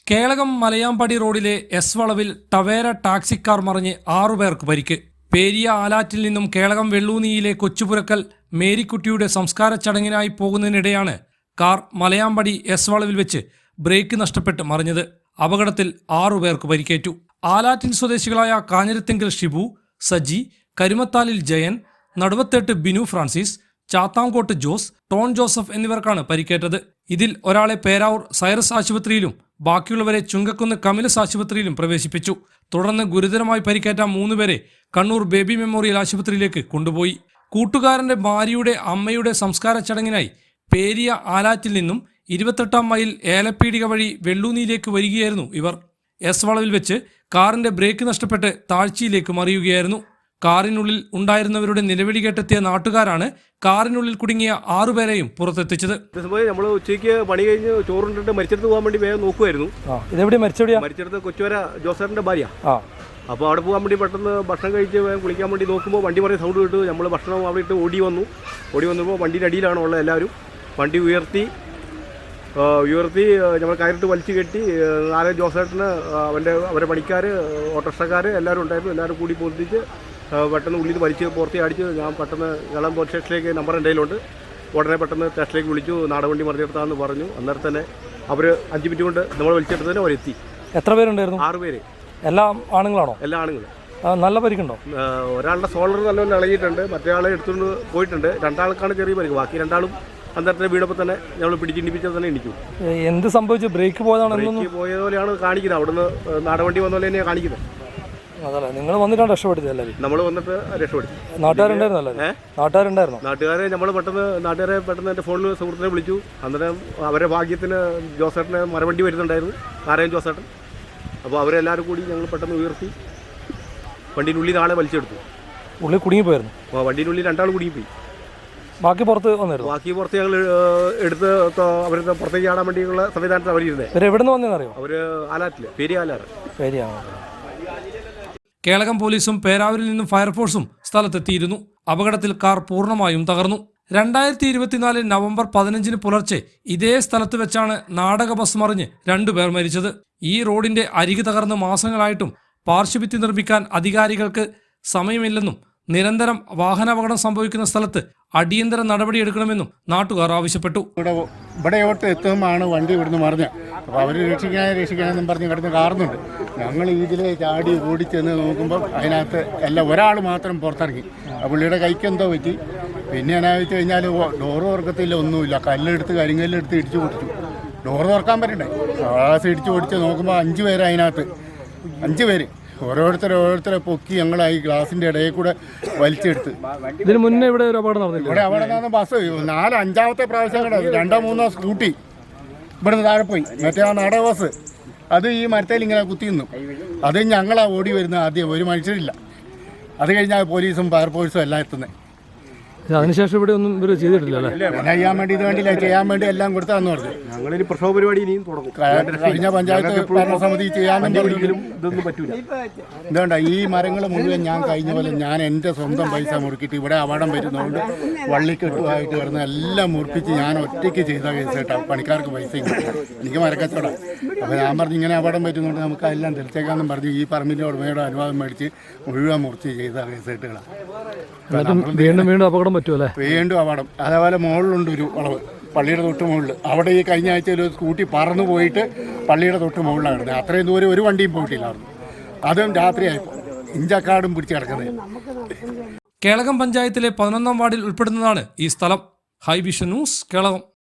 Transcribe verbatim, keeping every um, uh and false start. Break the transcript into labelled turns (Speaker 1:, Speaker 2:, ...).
Speaker 1: കേളകം മലയാമ്പടി റോഡിലെ എസ് വളവിൽ ടവേര ടാക്സിക്കാർ മറിഞ്ഞ് ആറുപേർക്ക് പരിക്ക്. പേരിയ ആലാറ്റിൽ നിന്നും കേളകം വെള്ളൂനിയിലെ കൊച്ചുപുരക്കൽ മേരിക്കുട്ടിയുടെ സംസ്കാര ചടങ്ങിനായി പോകുന്നതിനിടെയാണ് കാർ മലയാമ്പടി എസ് വളവിൽ വെച്ച് ബ്രേക്ക് നഷ്ടപ്പെട്ട് മറിഞ്ഞത്. അപകടത്തിൽ ആറുപേർക്ക് പരിക്കേറ്റു. ആലാറ്റിൻ സ്വദേശികളായ കാഞ്ഞിരത്തിങ്കൽ ഷിബു, സജി, കരുമത്താലിൽ ജയൻ, നടുവത്തേട്ട് ബിനു ഫ്രാൻസിസ്, ചാത്താംകോട്ട് ജോസ്, ടോൺ ജോസഫ് എന്നിവർക്കാണ് പരിക്കേറ്റത്. ഇതിൽ ഒരാളെ പേരാവൂർ സൈറസ് ആശുപത്രിയിലും ബാക്കിയുള്ളവരെ ചുങ്കക്കുന്ന് കമിലസ് ആശുപത്രിയിലും പ്രവേശിപ്പിച്ചു. തുടർന്ന് ഗുരുതരമായി പരിക്കേറ്റ മൂന്നുപേരെ കണ്ണൂർ ബേബി മെമ്മോറിയൽ ആശുപത്രിയിലേക്ക് കൊണ്ടുപോയി. കൂട്ടുകാരന്റെ ഭാര്യയുടെ അമ്മയുടെ സംസ്കാര ചടങ്ങിനായി പേരിയ ആലാറ്റിൽ നിന്നും ഇരുപത്തെട്ടാം മൈൽ ഏലപ്പീടിക വഴി വെള്ളൂനിയിലേക്ക് വരികയായിരുന്നു ഇവർ. എസ് വളവിൽ വെച്ച് കാറിന്റെ ബ്രേക്ക് നഷ്ടപ്പെട്ട് താഴ്ചയിലേക്ക് മറിയുകയായിരുന്നു. കാറിനുള്ളിൽ ഉണ്ടായിരുന്നവരുടെ നിലവിളി കേട്ടെത്തിയ നാട്ടുകാരാണ് കാറിനുള്ളിൽ കുടുങ്ങിയ ആറുപേരെയും പുറത്തെത്തിച്ചത്.
Speaker 2: നമ്മൾ ഉച്ചയ്ക്ക് പണി കഴിഞ്ഞ് ചോറുണ്ടിട്ട് മരിച്ചെടുത്ത് പോകാൻ വേണ്ടി വേഗം നോക്കുമായിരുന്നു.
Speaker 1: ഇതെവിടെ മരിച്ചെവിടെയാ?
Speaker 2: മരിച്ചെടുത്ത് കൊച്ചുവര ജോസറിന്റെ ഭാര്യ. അപ്പോൾ അവിടെ പോകാൻ വേണ്ടി പെട്ടെന്ന് ഭക്ഷണം കഴിച്ച് വേഗം കുളിക്കാൻ വേണ്ടി നോക്കുമ്പോൾ വണ്ടി പറയും സൗണ്ട് കിട്ടു. നമ്മൾ ഭക്ഷണം അവിടെ ഇട്ട് ഓടി വന്നു. ഓടി വന്നപ്പോൾ വണ്ടിയുടെ അടിയിലാണ് ഉള്ളത് എല്ലാവരും. വണ്ടി ഉയർത്തി ഉയർത്തി നമ്മൾ കയറിട്ട് വലിച്ചു കെട്ടി നാല് ജോസേട്ടന് അവൻ്റെ അവരുടെ പണിക്കാർ ഓട്ടോറിക്ഷക്കാർ എല്ലാവരും ഉണ്ടായിരുന്നു. എല്ലാവരും കൂടി പൊന്തിച്ച് പെട്ടെന്ന് ഉള്ളിൽ വലിച്ച് പുറത്തി അടിച്ച് ഞാൻ പെട്ടെന്ന് ഇളം പോലീസ് സ്റ്റേഷനിലേക്ക് നമ്പർ എൻ്റെ കയ്യിലുണ്ട്. ഉടനെ പെട്ടെന്ന് സ്റ്റേഷനിലേക്ക് വിളിച്ചു. നാടവണ്ടി മറിഞ്ഞെടുത്താന്ന് പറഞ്ഞു. അന്നേരം തന്നെ അവർ അഞ്ച് മിനിറ്റ് കൊണ്ട് നമ്മൾ വലിച്ചെടുത്തതിന് അവരെത്തി.
Speaker 1: എത്ര പേരുണ്ടായിരുന്നു?
Speaker 2: ആറ് പേര്.
Speaker 1: എല്ലാം ആണുങ്ങളാണോ?
Speaker 2: എല്ലാ ആണുങ്ങളും.
Speaker 1: നല്ല പരിക്കുണ്ടോ?
Speaker 2: ഒരാളുടെ സോളർ നല്ലപോലെ ഇളകിയിട്ടുണ്ട്. മറ്റേ ആളെ എടുത്തുകൊണ്ട് പോയിട്ടുണ്ട്. രണ്ടാൾക്കാണ് ചെറിയ പരിക്ക്. ബാക്കി രണ്ടാളും അന്നേരത്തെ വീടപ്പോൾ തന്നെ ഞങ്ങൾ പിടിച്ചിണ്ടിപ്പിച്ചാൽ തന്നെ ഇടിക്കും.
Speaker 1: എന്ത് സംഭവിച്ചു? ബ്രേക്ക് പോയതാണ്?
Speaker 2: ബ്രേക്ക് പോയ പോലെയാണ് കാണിക്കുന്നത്. അവിടുന്ന് നാടവണ്ടി വന്ന പോലെ തന്നെയാണ് കാണിക്കുന്നത്.
Speaker 1: അതല്ല, നിങ്ങൾ വന്നിട്ടാണ് രക്ഷപ്പെടുത്തിയല്ലേ?
Speaker 2: നമ്മൾ വന്നിട്ട് രക്ഷപ്പെടുത്തി.
Speaker 1: നാട്ടുകാരുണ്ടായിരുന്നല്ലേ? നാട്ടുകാരുണ്ടായിരുന്നു.
Speaker 2: നാട്ടുകാരെ നമ്മൾ പെട്ടെന്ന് നാട്ടുകാരെ പെട്ടെന്ന് എൻ്റെ ഫോണിൽ സുഹൃത്തിനെ വിളിച്ചു. അന്നേരം അവരുടെ ഭാഗ്യത്തിന് ജോസേട്ടന് മരവണ്ടി വരുന്നുണ്ടായിരുന്നു, നാരായൺ ജോസേട്ടൻ. അപ്പോൾ അവരെല്ലാവരും കൂടി ഞങ്ങൾ പെട്ടെന്ന് ഉയർത്തി വണ്ടിയിനുള്ളിൽ നാളെ വലിച്ചെടുത്തു.
Speaker 1: ഉള്ളിൽ കുടുങ്ങിപ്പോയിരുന്നു.
Speaker 2: അപ്പോൾ വണ്ടിയിനുള്ളിൽ രണ്ടാൾ കുടുങ്ങിപ്പോയി.
Speaker 1: ബാക്കി പുറത്ത് വന്നിരുന്നു.
Speaker 2: ബാക്കി പുറത്ത് ഞങ്ങൾ എടുത്ത് അവരുടെ പുറത്തേക്ക് ചാടാൻ വേണ്ടിയുള്ള സംവിധാനത്തിൽ അവരിരുന്നത്.
Speaker 1: ഇവർ എവിടെ നിന്ന് വന്നതെന്നറിയോ?
Speaker 2: അവർ ആലാറ്റില്, പേരിയ ആലാറ്.
Speaker 1: പേരിയ. കേളകം പോലീസും പേരാവൂരിൽ നിന്നും ഫയർഫോഴ്സും സ്ഥലത്തെത്തിയിരുന്നു. അപകടത്തിൽ കാർ പൂർണ്ണമായും തകർന്നു. രണ്ടായിരത്തി ഇരുപത്തിനാല് നവംബർ പതിനഞ്ചിന് പുലർച്ചെ ഇതേ സ്ഥലത്ത് വെച്ചാണ് നാടക ബസ് മറിഞ്ഞ് രണ്ടുപേർ മരിച്ചത്. ഈ റോഡിന്റെ അരികു തകർന്ന് മാസങ്ങളായിട്ടും പാർശ്വഭിത്തി നിർമ്മിക്കാൻ അധികാരികൾക്ക് സമയമില്ലെന്നും നിരന്തരം വാഹനാപകടം സംഭവിക്കുന്ന സ്ഥലത്ത് അടിയന്തര നടപടിയെടുക്കണമെന്നും നാട്ടുകാർ ആവശ്യപ്പെട്ടു.
Speaker 3: ഇവിടെ ഇവിടെയോട്ട് എത്തുമ്പോഴാണ് വണ്ടി ഇവിടുന്ന് മറിഞ്ഞത്. അപ്പോൾ അവർ രക്ഷിക്കാനേ രക്ഷിക്കാനെന്നും പറഞ്ഞ് കിടന്ന് കാറുന്നുണ്ട്. ഞങ്ങൾ ഇതിലെ ചാടി ഓടിച്ചെന്ന് നോക്കുമ്പോൾ അതിനകത്ത് എല്ലാം ഒരാൾ മാത്രം പുറത്തിറങ്ങി. ആ പുള്ളിയുടെ കൈക്ക് എന്തോ പറ്റി. പിന്നെ എന്നാ വെച്ച് കഴിഞ്ഞാൽ ഡോറ് തുറക്കത്തില്ല, ഒന്നുമില്ല. കല്ലെടുത്ത് കരിങ്കല്ലെടുത്ത് ഇടിച്ചു പൊടിച്ചു. ഡോറ് തുറക്കാൻ പറ്റണ്ടേ? ഗ്ലാസ് ഇടിച്ചു പൊടിച്ച് നോക്കുമ്പോൾ അഞ്ച് പേര് അതിനകത്ത്. അഞ്ച് പേര് ഓരോരുത്തരെ ഓരോരുത്തരെ പൊക്കി ഞങ്ങളായി ഗ്ലാസിന്റെ ഇടയിൽ കൂടെ വലിച്ചെടുത്ത്.
Speaker 1: ഇതിന് മുന്നേ ഇവിടെ ഒരു അപകടം നടന്നില്ല?
Speaker 3: ഇവിടെ അവിടെ നിന്ന് ബസ് നാല് അഞ്ചാമത്തെ പ്രാവശ്യം കൂടെ രണ്ടോ മൂന്നോ സ്കൂട്ടി ഇവിടുന്ന് താഴെ പോയി. മറ്റേ ആ നാടക ബസ് അത് ഈ മരത്തേൽ ഇങ്ങനെ കുത്തി നിന്നു. അത് ഞങ്ങളാ ഓടി വരുന്നത്. ആദ്യം ഒരു മനുഷ്യരില്ല. അത് കഴിഞ്ഞാൽ പോലീസും ഫയർഫോഴ്സും എല്ലാം എത്തുന്നത്.
Speaker 1: അതിനുശേഷം ഇവിടെ ഒന്നും ഇവർ ചെയ്തിട്ടില്ല അല്ലേ?
Speaker 3: പിന്നെ ചെയ്യാൻ വേണ്ടി ഇത് വേണ്ടിയില്ല, ചെയ്യാൻ വേണ്ടി എല്ലാം കൊടുത്താന്ന് പറഞ്ഞു.
Speaker 2: ഞങ്ങളിനി പ്രക്ഷോഭ പരിപാടി ഇനിയും തുടങ്ങും.
Speaker 3: കഴിഞ്ഞ പഞ്ചായത്ത് ഭരണസമിതി ചെയ്യാൻ വേണ്ടിയെങ്കിലും
Speaker 2: ഇതൊന്നും പറ്റൂല.
Speaker 3: എന്തുകൊണ്ട ഈ മരങ്ങൾ മുഴുവൻ ഞാൻ കഴിഞ്ഞ പോലെ ഞാൻ എൻ്റെ സ്വന്തം പൈസ മുറുക്കിയിട്ട് ഇവിടെ അപകടം വരുന്നതുകൊണ്ട് വള്ളിക്കെട്ടുമായിട്ട് കിടന്ന് എല്ലാം മുറിപ്പിച്ച് ഞാൻ ഒറ്റയ്ക്ക് ചെയ്ത കേസ് കേട്ടോ. പണിക്കാർക്ക് പൈസ എനിക്ക് മരക്കച്ചവടം. അപ്പോൾ ഞാൻ പറഞ്ഞു ഇങ്ങനെ അപകടം പറ്റുന്നതുകൊണ്ട് നമുക്ക് എല്ലാം തെളിച്ചേക്കാന്നും പറഞ്ഞു ഈ പറമ്പിൻ്റെ ഉടമയുടെ അനുവാദം മേടിച്ച് മുഴുവൻ മുറിച്ച് ചെയ്ത കേസ് കേട്ടുകളാണ്.
Speaker 1: വീണ്ടും വീണ്ടും അപകടം പറ്റുമല്ലേ?
Speaker 3: വീണ്ടും അപകടം. അതേപോലെ മുകളിലുണ്ട് ഒരു വളവ്, പള്ളിയുടെ തൊട്ട് മുകളിൽ. അവിടെ ഈ കഴിഞ്ഞ ആഴ്ച ഒരു സ്കൂട്ടി പറന്നു പോയിട്ട് പള്ളിയുടെ തൊട്ട് മുകളിലാണ് കിടന്നത്. അത്രയും ദൂരം ഒരു വണ്ടിയും പോയിട്ടില്ലായിരുന്നു. അതും രാത്രിയായപ്പോൾ ഇഞ്ചക്കാടും പിടിച്ച് കിടക്കുന്നത്.
Speaker 1: കേളകം പഞ്ചായത്തിലെ പതിനൊന്നാം വാർഡിൽ ഉൾപ്പെടുന്നതാണ് ഈ സ്ഥലം. High vision news, Kelakam.